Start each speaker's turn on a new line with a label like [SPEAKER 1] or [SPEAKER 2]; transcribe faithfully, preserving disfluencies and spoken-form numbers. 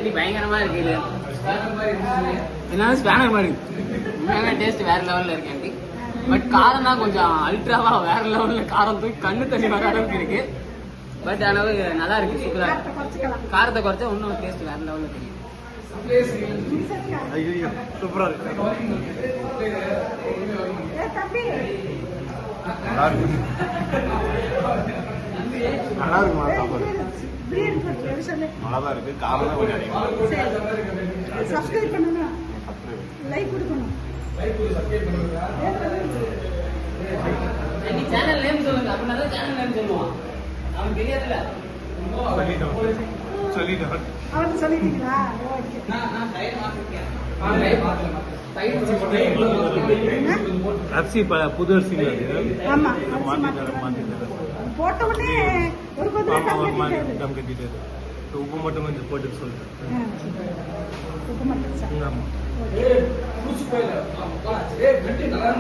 [SPEAKER 1] தண்ணி பயங்கரமா இருக்கு. இது என்ன ஸ்பேனர் மாதிரி உண்மையான டேஸ்ட் வேற லெவல்ல இருக்கு ஆண்டி. பட் காரம் தான் கொஞ்சம் அல்ட்ராவா வேற லெவல்ல காரம் தூக்கி கண்ணு தண்ணி வர அளவுக்கு இருக்கு. பட் அளவு நல்லா இருக்கு, சூப்பரா இருக்கு. காரத்தை குறைச்சா இன்னும் டேஸ்ட் வேற லெவல்ல தெரியும்.
[SPEAKER 2] சூப்பரா இருக்கு. நல்லா இருக்கு, நல்லா இருக்குமா சாப்பாடு? நல்லாதான் இருக்கு. காரம் தான் கொஞ்சம் அதிகமா.
[SPEAKER 3] சப்ஸ்கிரைப் பண்ணுங்க, லைக் கொடுக்கணும்.
[SPEAKER 1] சேனல் நேம் சொல்லுங்க, அப்படின்னா சேனல் நேம் சொல்லுவான். அவன் தெரியாதுல்ல.
[SPEAKER 2] சொல்லிட்டோம்.
[SPEAKER 3] அவருக்கு சொல்லிட்டீங்களா?
[SPEAKER 2] அரிசி புது அரிசி
[SPEAKER 3] ஆமா,
[SPEAKER 2] போட்ட
[SPEAKER 3] உடனே ஒரு
[SPEAKER 2] டம் கட்டிட்டு உப்பு மட்டும் கொஞ்சம் போட்டு சொல்லிட்டேன்.
[SPEAKER 3] உப்பு மட்டும்
[SPEAKER 2] ஆமா.